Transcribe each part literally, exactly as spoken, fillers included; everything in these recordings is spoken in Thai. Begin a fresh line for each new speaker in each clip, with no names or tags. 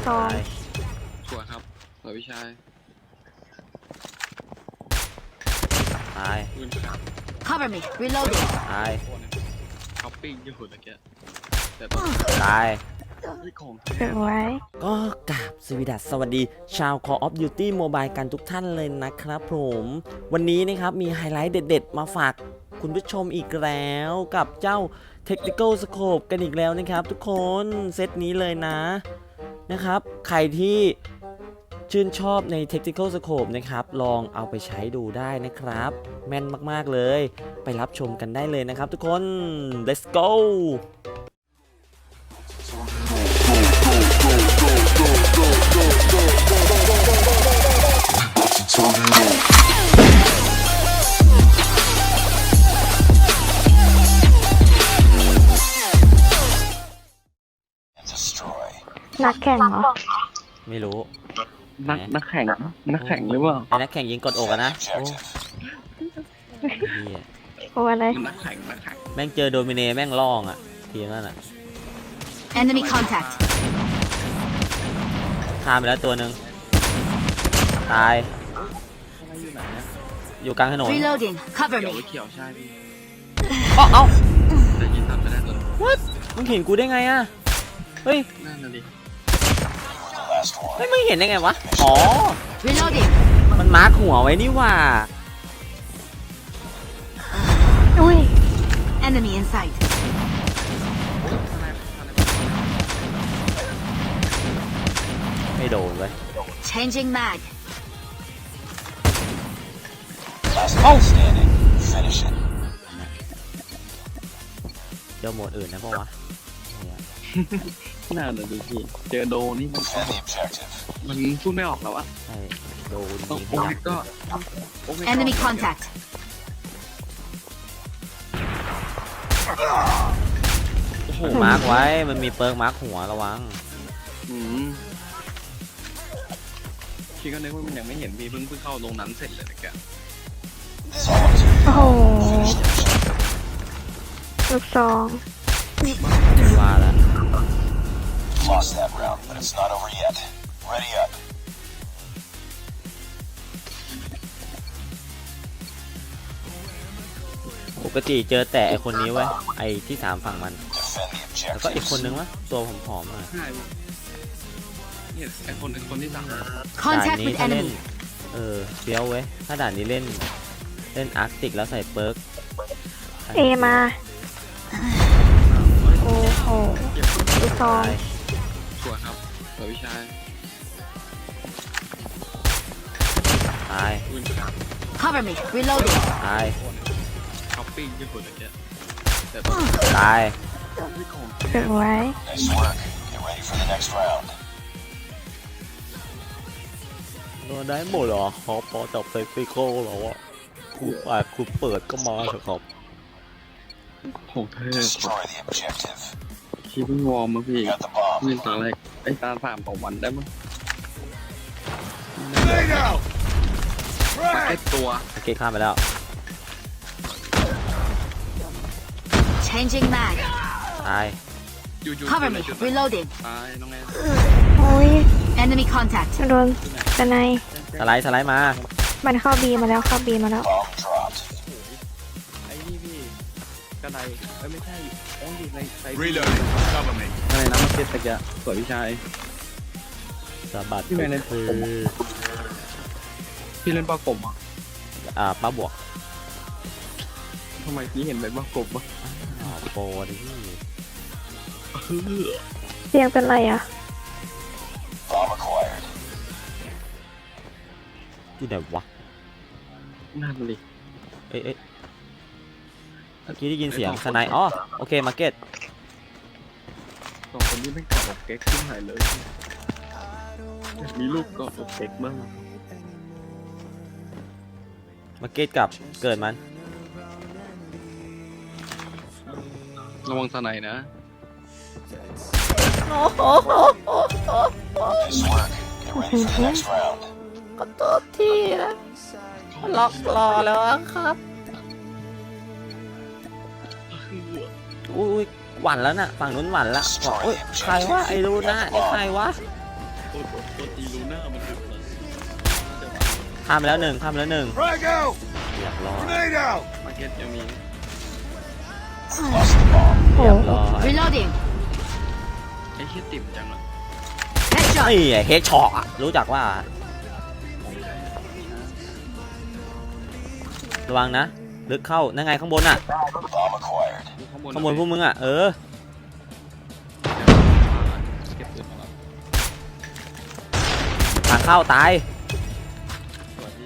ซอง
สวยครับสวยพี่ชาย
ตาย
ปืนครับ
Cover me. Reloading.
ตาย
ช้อปปิ้งอยู่ตะเกียบแต่ตอน
ตาย
ที่ของ
เก็บไว้
ก็กราบสวีดัสสวัสดีชาว Call of Duty Mobile กันทุกท่านเลยนะครับผมวันนี้นะครับมีไฮไลท์เด็ดๆมาฝากคุณผู้ชมอีกแล้วกับเจ้า Tactical Scope กันอีกแล้วนะครับทุกคนเซตนี้เลยนะนะครับใครที่ชื่นชอบใน Tactical Scope นะครับลองเอาไปใช้ดูได้นะครับแม่นมากๆเลยไปรับชมกันได้เลยนะครับทุกคน let's go
นักแข่งเหรอ
ไม่รู้
นักนักแข่งนักแข่งหรือเปล่า
ไอ้นักแข่งยิงกดอกอะนะโอ้เหี้ย
โอ้อะไร
นักแข่งนักแข่ง
แม่งเจอโดมิเนแม่งล่องอ่ะทีนั่นอ่ะ
Enemy contact.
ฆ่าไปแล้วตัวหนึ่งตาย
อยู่ไหนนะ
อยู่กลางถนน
Reloading. Cover
เขียว
me.
เขียวใช่พี่
เอ้าเอ้า
ได้ยินตัดไปได้ตัว
what มึงเห็นกูได้ไงอ่ะเฮ้ย
นั่นน่ะดิ
เฮ้ยมึงเห็นได้ไงวะอ๋อ
Reloading.
มันมาร์คหัวไว้นี่ว่า
อุ้ย
Enemy in sight.
ไม่โดนเว้ย
Changing mag.
เอ้าเดี๋ยวโหมดอื่นนะปะวะเนี่ย
น่าน่ะดิพี่เจอโดนี่มันโอ้โหมันพูดไม่ออกแล้ววะ
ใช่โดน
ต้อง
ยิงข
โอ้
ยั
ย
บ
ก็โอ้ย
Enemy contact.
โอ้โห
มาร์คไว้มันมีเปิร์กมาร์คหัวระวัง
อืมพี่ก็นึกว่ามันยังไม่เห็นพี่เพิ่งเพิ่งเข้าตรงนั้นเสร็จเลยนะแก
โอ้โหลูกซอง
ว่าแล้ว
Lost that round, but it's not over yet. Ready up.
ปกติเจอแต่ไอคนนี้เว้ยไอที่สามฝั่งมัน
Defend the
แล้วก็อีก
objectives.
คนนึงวะตัวผอมๆหน่อย
ใช่เนี่ยไอคนไอคนที่สาม
ด่าน
Contact
นี้
with
ถ้าเล่น
enemy.
เออเฟี้ยวเว้ยถ้าด่านนี้เล่นเล่นอาร์กติกแล้วใส่เปิร์ก
เอมาโอ้โหลูกซอง
สวยครับสวยพี่ชาย
ตาย
ปืนครับ
Cover me. Reloading.
ตาย
ช้อปปิ้งอยู่ตะเกียบแต่ตอน
ตาย
ที่ของ
เก็บไว้
Nice work. Get ready for the next round.
โดนได้หมดเหรอขอพอจับไซฟิโก้เหรอวะคุณอ่ะคุณเปิดก็มาเถอะครับ
ของเธอ
Destroy the objective.
ที่เพิ่งวอร์มมาพี่
You got the bomb.
นี่ตาแรกไอ้ตาสามของวันได้มั้งไอ้ตัว
โอเคข้ามไปแล้ว
Changing mag.
ตาย
อยู่อยู่
Cover me. Reloading.
ตายน้องแอน
โอ้ย
Enemy contact.
มันโดนสไนป์
สไลด์สไลด์มา
มันเข้าบีมาแล้วเข้าบีมาแล้ว
Bomb dropped.
ไอ้นี่พี่กระไดเอ้ยไม่ใช่โอ้ยในไซ
Reloading. Cover me.
อะไรนะมาเก็ตตะเกียบสวยพี่ชาย
สะบัด
ที่ไหนเนี่ย
คือ
พี่เล่นปลากบอ่ะ
อ่าป้าบวก
ทำไมพี่เห็นเป็นปลากบอ่ะ
อ๋อโปรดิพี่
เสียงเป็นไรอ่ะ
Bomb acquired.
อยู่ไหนวะ
นั่นเลย
เอ้ยเอ้ยเมื่อกี้ได้ยินเสียงสไนด์อ๋อโอเคมาร์เก็ต
สองคนนี้ไม่กอดอกเก๊กขึ้นหายเลยมีลูกกอดอกเก๊กบ้าง
มาร์เก็ตกับเกิดมัน
ระวังสไนนะ
Nice work. Get ready for the next round.
ก็ตัวที่นะล็อกรอแล้วครับอุ้ยหวั่นแล้วน่ะฝั่งนู้นหวั่นละบอกอุ้ยใครวะไอ้รู้นะไอ้ใครวะข้ามไปแล้วหนึ่งข้ามไปแล้วหนึ่ง
Frag out!
เรียบร้อย
Grenade out!
มาร์เก็ตยังมี
Lost the bomb.
โอ้
เรียบร้อย
Reloading.
ไอ้เหี้ยติ่มจังเลย
Headshot.
ไอ้เฮกช็อกอะรู้จักว่า ระวังนะ ลึกเข้า นั่งไงข้างบนอ่ะ
Bomb acquired.
ข้างบน
ข้างบนพวกมึงอ่ะ เออ
เก็บปืนมาแล้ว
ทางเข้าตาย
สวัสดี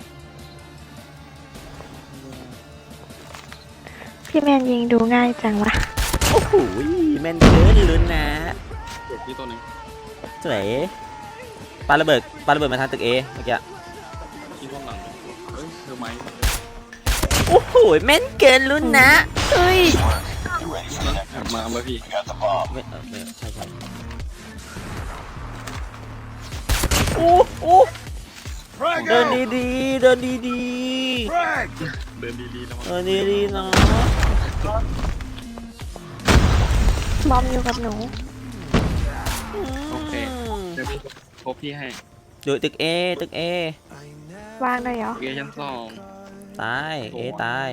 พี่แมนยิงดูง่ายจังวะ
โอ้โหแม่นเกินลุ้นนะ
เก็บที่ตัวหนึง
สวยปาระเบิดปาระเบิดมาทางตึกเอเมื่อกี้
ที่ห้องหลังเฮ้ยเธอไหม
โอ้โหแม่นเกินลุ้นนะเฮ้ย
Get ready for the next.
มาเมื่อพี่
We got the bomb.
ไม่เออไม่ใช่ใช่โอ้โอ้
Frag
เดินดีๆเดินดี
Frag!
เดินดีๆแล้ว
ๆเดินดีๆเนาะ
บอมอยู่กับหนู
โอเคเดี๋ยวพี่พบพี่ให้
ดูตึกเอตึกเอ
วางเลยเหรอ
เกียร์ชั้นสอง
ตายเอตายว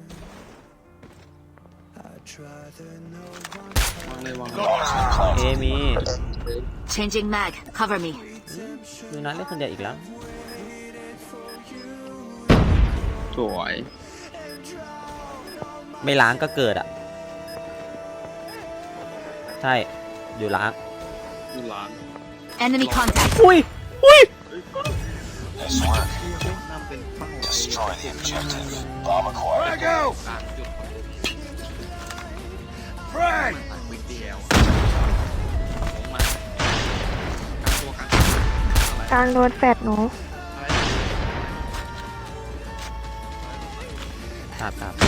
างเลยวาง
Bomb has been
เอ
planted.
มี
Changing mag. Cover me.
ดูนัดเล่นคนเดียวอีกแล้ว
สวย
ไม่ล้างก็เกิดอ่ะ ใช่ อยู่ล้าง
ดูร้าน
Enemy contact.
อุ้ยอุ้ย
Nice work.
นำเป็นเป้า
Destroy the objective. Bomb acquired. Frag out!
กลางจุด
Frag!
สายวิกเดียวลงมากลางตัวกลางอะไร
กลางโดนแฟดหนู
อะไร
ครับครับ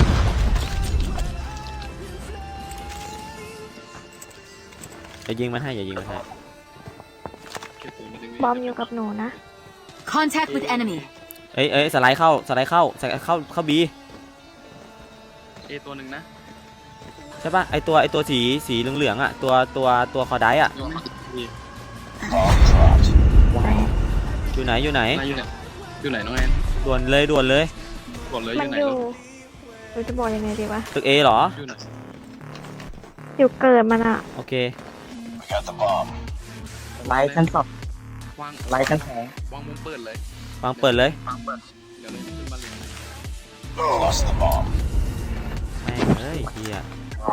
อย่ายิงมันให้อย่ายิงมันให้
เก็บปืนมาดึง
บอมอยู่กับหนูนะ
Contact with enemy.
เอ้ยเอ้ยสไลด์เข้าสไลด์เข้าสไลด์เข้าเข้าบี
เอตัวหนึ่งนะ
ใช่ป่ะไอตัวไอตัวสีสีเหลืองๆอ่ะตัวตัวตัวคอไดอ่ะ
ยังไม่ติดพี่
Bomb dropped.
อยู่ไหนอยู่ไหน
นายอยู่ไหนอยู่ไหนน้องแอน
ด่วนเลยด่วนเลย
บอกเลยอ
มัน
ยู่ไหน
อยู่
ลูก
หนูจะบอกยังไงดีวะ
ตึกเอเหรอ
อยู่ไหน
อยู่เกิดมันอะ
โอเค
We got the bomb.
ไลท์ชั้นสอง
วาง
ไลท์ชั้นสอง
วางมุมเปิดเลยว
างเปิดเลย
เดี๋ยวเลยขึ้นมาเลย
Lost the bomb.
แม่งเอ้ยเฮีย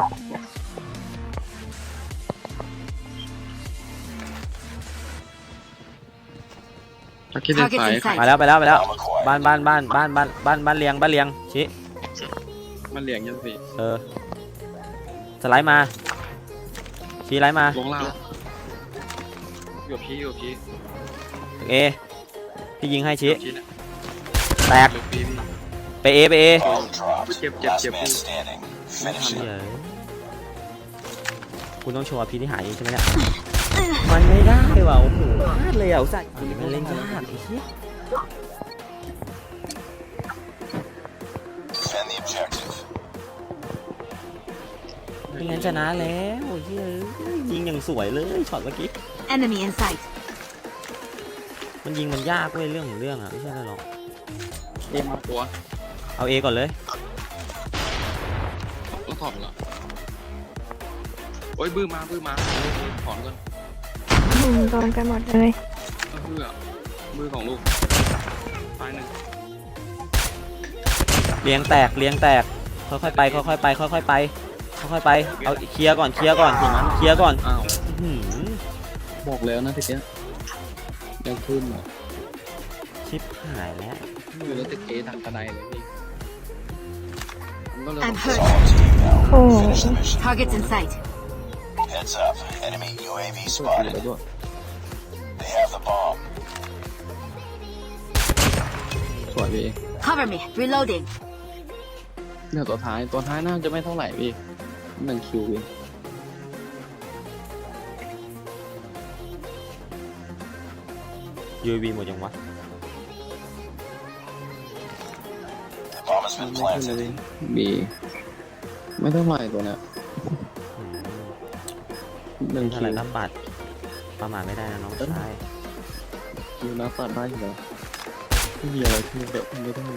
ถ้าคิดในสาย
Target in
มา
sight.
แล้วไปแล้วไปแล้ว
Bomb acquired.
บ้านบ้านบ้านบ้านบ้านบ้านบ้านเลียงบ้านเลียงชิ
มันเหลียงยังสิ
เออสไลด์มาชี้ไลด์มา
ลงล่างอยู่กับพี่อยู่กับพี่
ตึกเอพี่ยิงให้
อ
ชี้
ยู่กับพี่เนี่ย
แตก
อยู่กับพี่พี่
ไปเอไปเอ
Bomb dropped.
Chip, chip,
Last
chip.
man standing. Finish
เฮี
it.
ยคุณต้องโชว์พี่ที่หายใช่ไหมเนี่ยมันไม่ได้ว่ะโอ้โหพลาดเลยอ่ะอุตส่าห์มันเล่นยากไอ้เหี้ย
Defend the objective.
ไม่งั้นชนะแล้วเฮ้ยยิงอย่างสวยเลยช็อตเมื่อกี้
Enemy in sight.
มันยิงมันยากเว้ยเรื่องของเรื่องอ่ะไม่ใช่อะไรหรอก
เอมาตัว
เอาเอก่อนเลย
ต้องถอดเหรอโอ้ยบื้อมาบื้อมาถอนก่อน
อืมโดนกันหมดเลย
ก็เพื่อมือของลูกตายหนึ่ง
เลี้ยงแตกเลี้ยงแตกค่อยๆไปค่อยๆไปค่อยๆไปค่อยๆไปเอาเคลียร์ก่อนเคลียร์ก่อนเคลียร์ก่อน
อ้าว
อื้อหือ
บอกแล้วนะทีเนี้ยยังขึ้นเหรอ
ชิปหายแล้ว
อยู่แล้วติดเอทางกระไดเลยพี่มันก็เลย
I'm
It's
hurt.
all up to you now.
โอ้
Finish the mission.
Targets in sight.
Heads up. Enemy U A V
สวย
spotted.
ด้วย
They have the bomb.
สวยพี่
Cover me. Reloading.
เดี๋ยวตัวท้ายตัวท้ายน่าจะไม่เท่าไหร่พี่หนึ่งคิวเอง
ยูวีหมดยังวะ
The bomb has
มัน
been
ไม่ขึ้น
planted.
เลยบีไม่เท่าไหร่ตัวเนี้ย
อืม
หนึ่ง
เท่า
คิ
ไห
ว
ร่รับบัตรประมาทไม่ได้นะน้องชาย
คิวนับตัดได้อยู่แล้วไม่มีอะไรที่แบบไม่ได้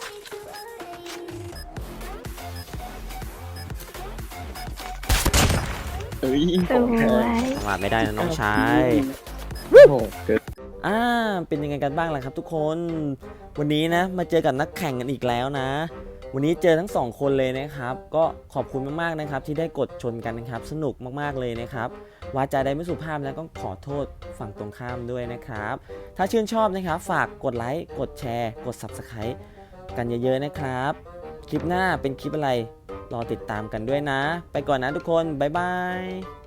เอ้ย
ส
ของแท้
วย
จังหวะไม่ได้นะน้องชาย
โอ้โหเกิด
อ่าเป็นยังไงกันบ้างล่ะครับทุกคนวันนี้นะมาเจอกับนักแข่งกันอีกแล้วนะ วันนี้เจอทั้งสองคนเลยนะครับก็ขอบคุณมากๆนะครับที่ได้กดชนกันนะครับสนุกมากๆเลยนะครับวาจาใดไม่สุภาพแล้วก็ขอโทษฝั่งตรงข้ามด้วยนะครับถ้าชื่นชอบนะครับฝากกดไลค์กดแชร์กด ซับสไครบ์ กันเยอะๆนะครับคลิปหน้าเป็นคลิปอะไรรอติดตามกันด้วยนะ ไปก่อนนะทุกคนบ๊ายบาย